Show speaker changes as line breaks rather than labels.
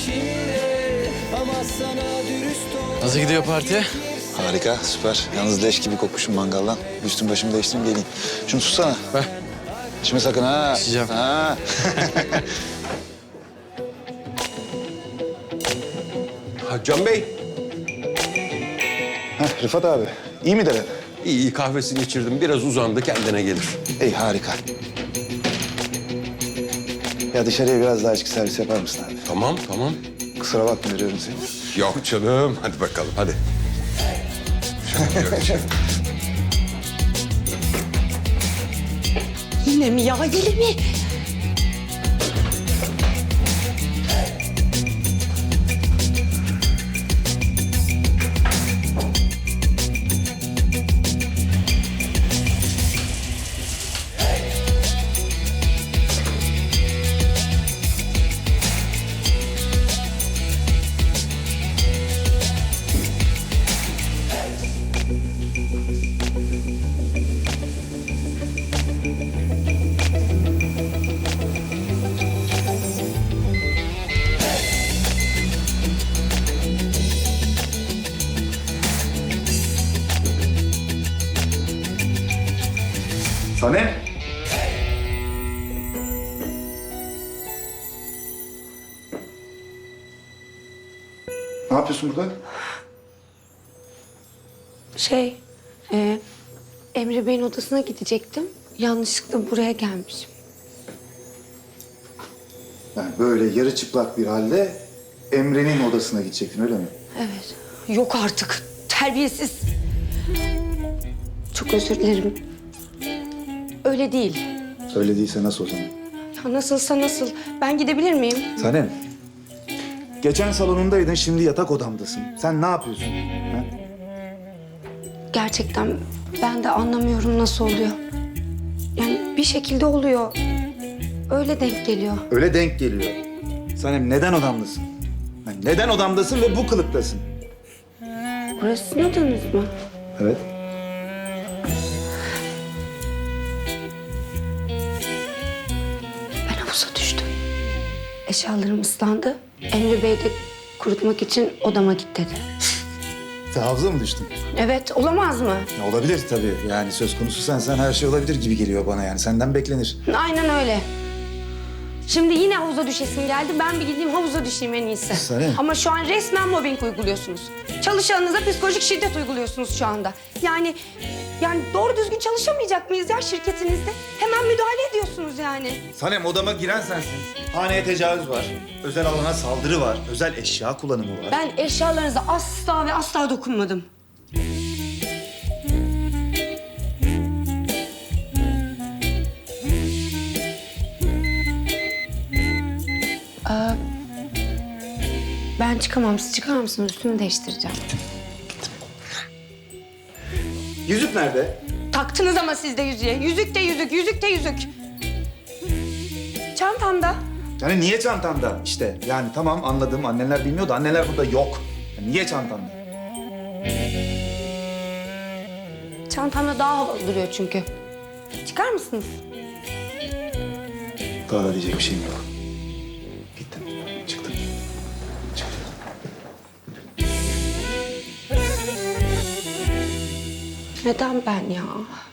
Nasıl gidiyor parti?
Harika, süper. Yalnız leş gibi kokmuşum mangaldan. Üstüm başımı değiştireyim geleyim. Şunu tutsana.
Ver.
İçme sakın ha.
İçeceğim.
Ha.
Can Bey,
Heh, Rıfat abi, iyi mi dere?
iyi kahvesini içirdim. Biraz uzandı, kendine gelir.
İyi, harika. Ya dışarıya biraz daha içki servis yapar mısın abi?
Tamam, tamam.
Kusura bakma veriyorum seni.
Yok canım, hadi bakalım, hadi. Yok canım.
Yine mi ya, yine mi?
Sanem. Ne yapıyorsun burada?
Emre Bey'in odasına gidecektim. Yanlışlıkla buraya gelmişim.
Yani böyle yarı çıplak bir halde Emre'nin odasına gidecektin öyle mi?
Evet. Yok artık. Terbiyesiz. Çok özür dilerim. Öyle değil.
Öyle değilse nasıl o zaman?
Ya nasılsa nasıl. Ben gidebilir miyim?
Sanem. Geçen salonundaydın, şimdi yatak odamdasın. Sen ne yapıyorsun? Ha?
Gerçekten ben de anlamıyorum nasıl oluyor. Yani bir şekilde oluyor. Öyle denk geliyor.
Öyle denk geliyor. Sanem neden odamdasın? Yani neden odamdasın ve bu kılıktasın?
Burası sizin odanız mı?
Evet.
Ben havuza düştüm. Eşyalarım ıslandı. Emre Bey de kurutmak için odama git dedi.
Sen havuza mı düştün?
Evet, olamaz mı?
Olabilir tabii. Yani söz konusu sen her şey olabilir gibi geliyor bana yani. Senden beklenir.
Aynen öyle. Şimdi yine havuza düşesim geldi. Ben bir gideyim havuza düşeyim en iyisi.
Sanem.
Ama şu an resmen mobbing uyguluyorsunuz. Çalışanınıza psikolojik şiddet uyguluyorsunuz şu anda. Yani doğru düzgün çalışamayacak mıyız ya şirketinizde? Hemen müdahale ediyorsunuz yani.
Sanem odama giren sensin. Haneye tecavüz var. Özel alana saldırı var. Özel eşya kullanımı var.
Ben eşyalarınıza asla ve asla dokunmadım. Ben çıkamam. Siz çıkar mısınız? Üstümü değiştireceğim.
Yüzük nerede?
Taktınız ama siz de yüzüğe. Yüzük de yüzük, yüzük de yüzük. Çantamda.
Yani niye çantanda? İşte yani tamam anladım. Anneler bilmiyor da anneler burada yok. Yani niye çantanda?
Çantamda daha havalı duruyor çünkü. Çıkar mısınız?
Daha da diyecek bir şeyim yok. Gittim. Çıktım. Çıktım.
Neden ben ya?